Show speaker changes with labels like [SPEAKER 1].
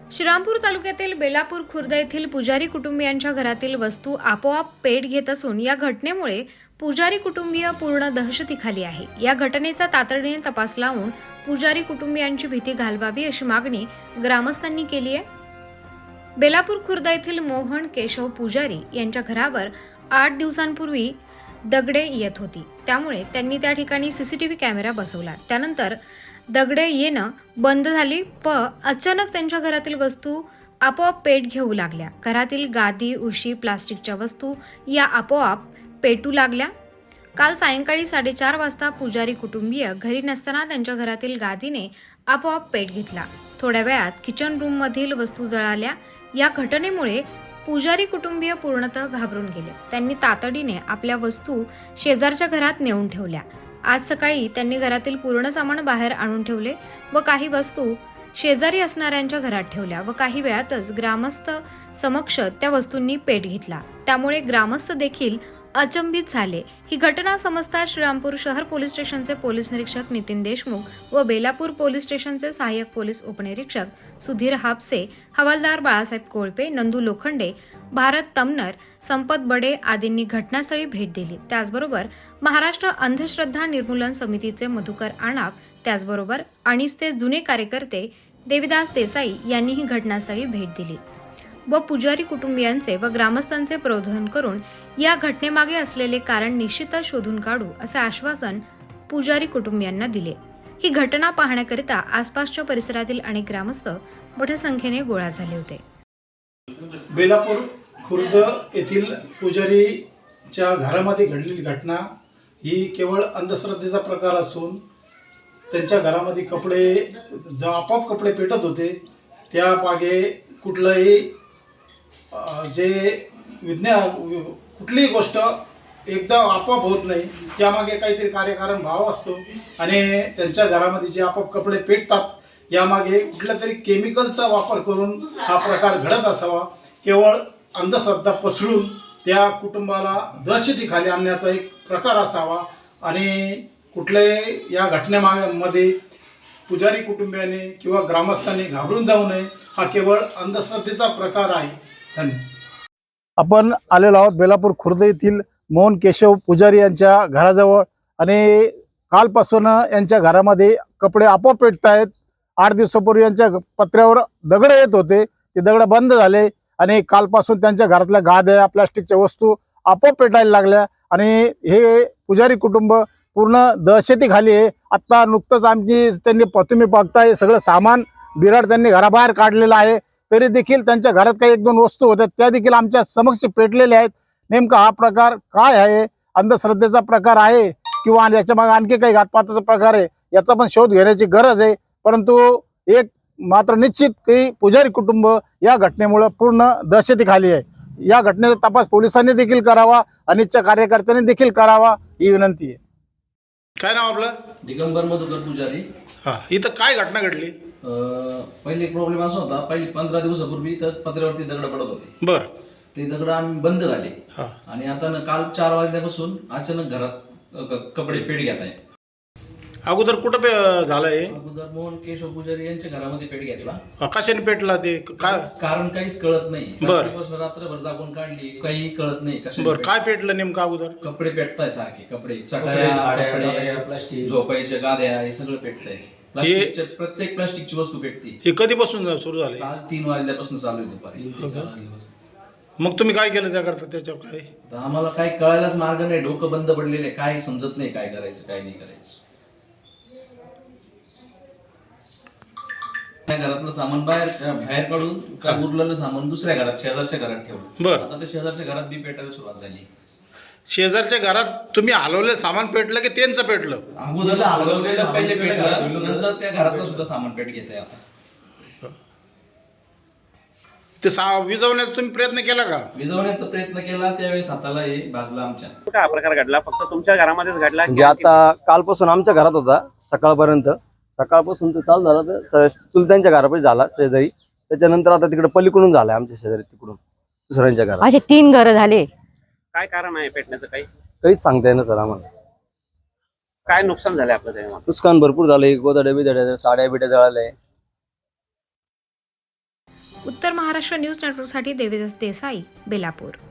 [SPEAKER 1] श्रीरामपूर तालुक्यातील बेलापूर खुर्द येथील पुजारी कुटुंबियांच्या घरातील वस्तू आपोआप पेट घेत असून या घटनेमुळे पुजारी कुटुंबीय पूर्ण दहशतीखाली आहे। या घटनेचा तातडीने तपास लावून पुजारी कुटुंबियांची भीती घालवावी अशी मागणी ग्रामस्थांनी केली आहे। बेलापूर खुर्द येथील मोहन केशव पुजारी यांच्या घरावर 8 दिवसांपूर्वी दगडे येत होती, त्यामुळे त्यांनी त्या ठिकाणी सीसीटीव्ही कॅमेरा बसवला। त्यानंतर दगडे येणं बंद झाली व अचानक त्यांच्या घरातील वस्तू आपोआप पेट घेऊ लागल्या। घरातील गादी, उशी, प्लास्टिकच्या वस्तू या आपोआप पेटू लागल्या। काल सायंकाळी 4:30 वाजता पुजारी कुटुंबीय घरी नसताना त्यांच्या घरातील गादीने आपोआप पेट घेतला। थोड्या वेळात किचन रूम मधील वस्तू जळाल्या। या घटनेमुळे पुजारी कुटुंबीय पूर्णतः घाबरून गेले। त्यांनी तातडीने आपल्या वस्तू शेजारच्या घरात नेऊन ठेवल्या। आज सकाळी त्यांनी घरातील पूर्ण सामान बाहेर आणून ठेवले व काही वस्तू शेजारी असणाऱ्यांच्या घरात ठेवल्या व काही वेळातच ग्रामस्थ समक्ष त्या वस्तूंनी पेट घेतला। त्यामुळे ग्रामस्थ देखील अचंबित झाले। ही घटना समजता श्रीरामपूर शहर पोलीस स्टेशनचे पोलीस निरीक्षक नितीन देशमुख व बेलापूर पोलीस स्टेशनचे सहाय्यक पोलीस उपनिरीक्षक सुधीर हापसे, हवालदार बाळासाहेब कोळपे, नंदू लोखंडे, भारत तमनर, संपत बडे आदींनी घटनास्थळी भेट दिली। त्याचबरोबर महाराष्ट्र अंधश्रद्धा निर्मूलन समितीचे मधुकर आणाप, त्याचबरोबर अणीसचे जुने कार्यकर्ते देविदास देसाई यांनीही घटनास्थळी भेट दिली व पुजारी कुटुंबियांचे व ग्रामस्थांचे प्रबोधन करून या घटनेमागे असलेले कारण निश्चितच शोधून काढू असे आश्वासन पुजारी कुटुंबियांना दिले। ही घटना पाहण्याकरिता आसपासच्या परिसरातील अनेक ग्रामस्थ मोठ्या संख्येने गोळा झाले होते।
[SPEAKER 2] बेलापूर खुर्द येथील पुजारीच्या घरामध्ये घडलेली घटना ही केवळ अंधश्रद्धेचा प्रकार असून त्यांच्या घरामध्ये कपडे जो आपोआप कपडे पेटत होते त्या मागे कुठलंही कुठलीही गोष्ट एकदम आपोआप होत नाही, त्यामागे काहीतरी कार्यकारण भाव असतो आणि त्यांच्या घरामध्ये जे आपोआप कपडे पेटतात यामागे कुठल्या तरी केमिकलचा वापर करून हा प्रकार घडत असावा। केवळ अंधश्रद्धा पसरून त्या कुटुंबाला दहशतीखाली आणण्याचा एक प्रकार असावा आणि कुठल्याही या घटनेमध्ये पुजारी कुटुंबियाने किंवा ग्रामस्थांनी घाबरून जाऊ नये। हा केवळ अंधश्रद्धेचा प्रकार आहे। धन्यवाद।
[SPEAKER 3] आपण आलेलो आहोत बेलापूर खुर्द येथील मोहन केशव पुजारी यांच्या घराजवळ आणि कालपासून यांच्या घरामध्ये कपडे आपोआप पेटत आहेत। 8 दिवसापूर्वी यांच्या पत्र्यावर दगड येत होते, ते दगड बंद झाले आणि कालपासून त्यांच्या घरातल्या गाद्या, प्लास्टिकच्या वस्तू आपोआप पेटायला लागल्या आणि हे पुजारी कुटुंब पूर्ण दहशतीखाली आहे। आत्ता नुकतंच त्यांनी तुम्ही बघताय सगळं सामान बिराड त्यांनी घराबाहेर काढलेलं आहे, तरी देखील त्यांच्या घरात काही 1-2 वस्तू होत्या त्या देखील आमच्या समक्ष पेटलेल्या आहेत। नेमका हा प्रकार काय आहे, अंधश्रद्धेचा प्रकार आहे किंवा याच्या मागे आणखी काही घातपाताचा प्रकार आहे, याचा पण शोध घेण्याची गरज आहे। परंतु एक मात्र निश्चित की पुजारी कुटुंब या घटनेमुळे पूर्ण दहशतीखाली आहे। या घटनेचा तपास पोलिसांनी देखील करावा, अनिच्छा कार्यकर्त्यांनी देखील करावा ही विनंती आहे।
[SPEAKER 2] काय नाव आपलं?
[SPEAKER 4] दिगंबर मधुकर पुजारी।
[SPEAKER 2] हां, इथं काय घटना घडली?
[SPEAKER 4] पहिली प्रॉब्लेम असा होता, पहिली 15 दिवसापूर्वी तर पत्र्यावरती दगड पडत होते।
[SPEAKER 2] बर,
[SPEAKER 4] ते दगड आम्ही बंद झाले
[SPEAKER 2] हां,
[SPEAKER 4] आणि आता काल 4 वाजल्यापासून अचानक घरात कपडे पेट घेत आहे।
[SPEAKER 2] अगोदर कुठं झालंय?
[SPEAKER 4] अगोदर मोहन केशव पुजारी यांच्या घरामध्ये पेट घेतला।
[SPEAKER 2] कशाने पेटला ते काय?
[SPEAKER 4] कारण काहीच कळत नाही।
[SPEAKER 2] बर.
[SPEAKER 4] रात्रभर जागून काढली, काही कळत नाही कशाने
[SPEAKER 2] बर, काय पेटलं नेमकं अगोदर?
[SPEAKER 4] कपडे पेटताय सारखे, कपडे, चटया, प्लास्टिक, झोपायच्या गाद्या, हे सगळं पेटतंय। प्लास्टिकच्या प्रत्येक प्लास्टिकची वस्तू पेटती।
[SPEAKER 2] हे कधीपासून सुरू झाले?
[SPEAKER 4] काल 3 वाजल्यापासून चालू आहे दुपारी।
[SPEAKER 2] मग तुम्ही काय केलं त्याकरता? त्याच्यावर काय?
[SPEAKER 4] तर आम्हाला काही कळायलाच मार्ग नाही, डोकं बंद पडलेले, काय समजत नाही काय करायचं काय नाही करायचं। घरातलं सामान बाहेर काढून उरलेलं सामान दुसऱ्या घरात, शेजारच्या घरात ठेवलं।
[SPEAKER 2] बर,
[SPEAKER 4] आता ते शेजारच्या घरात बी पेटायला सुरुवात झाली।
[SPEAKER 2] शेजारच्या घरात तुम्ही हलवलेलं सामान पेटलं की त्यांचं पेटलं?
[SPEAKER 4] अगोदर हलवलेलं पहिले पेटलं, नंतर त्या घरातलं सुद्धा सामान पेट घेत आहे। आता
[SPEAKER 2] ते विझवण्याचा तुम्ही प्रयत्न केला का?
[SPEAKER 4] विझवण्याचा प्रयत्न केला, त्यावेळेस हाताला हे भाजला आमच्या।
[SPEAKER 5] कुठे हा प्रकार घडला? फक्त तुमच्या घरामध्येच घडला?
[SPEAKER 6] म्हणजे आता कालपासून आमच्या घरात होता सकाळपर्यंत, सकाळपासून तो चालू झाला तर चुलत्यांच्या घरापाशी झाला शेजारी, त्याच्यानंतर आता तिकडे पलीकडून झालाय आमच्या शेजारी, तिकडून दुसऱ्यांच्या घरात।
[SPEAKER 7] असे 3 घरं झाले।
[SPEAKER 5] काय कारण आहे पेटण्याचं?
[SPEAKER 6] काहीच सांगता येईना सर आम्हाला।
[SPEAKER 5] काय नुकसान झालंय आपलं तेव्हा?
[SPEAKER 6] नुकसान भरपूर झालंय, गोदड्या बिदड्या, साड्या बिड्या जळाल्या।
[SPEAKER 1] उत्तर महाराष्ट्र न्यूज नेटवर्कसाठी देवेश देसाई, बेलापूर.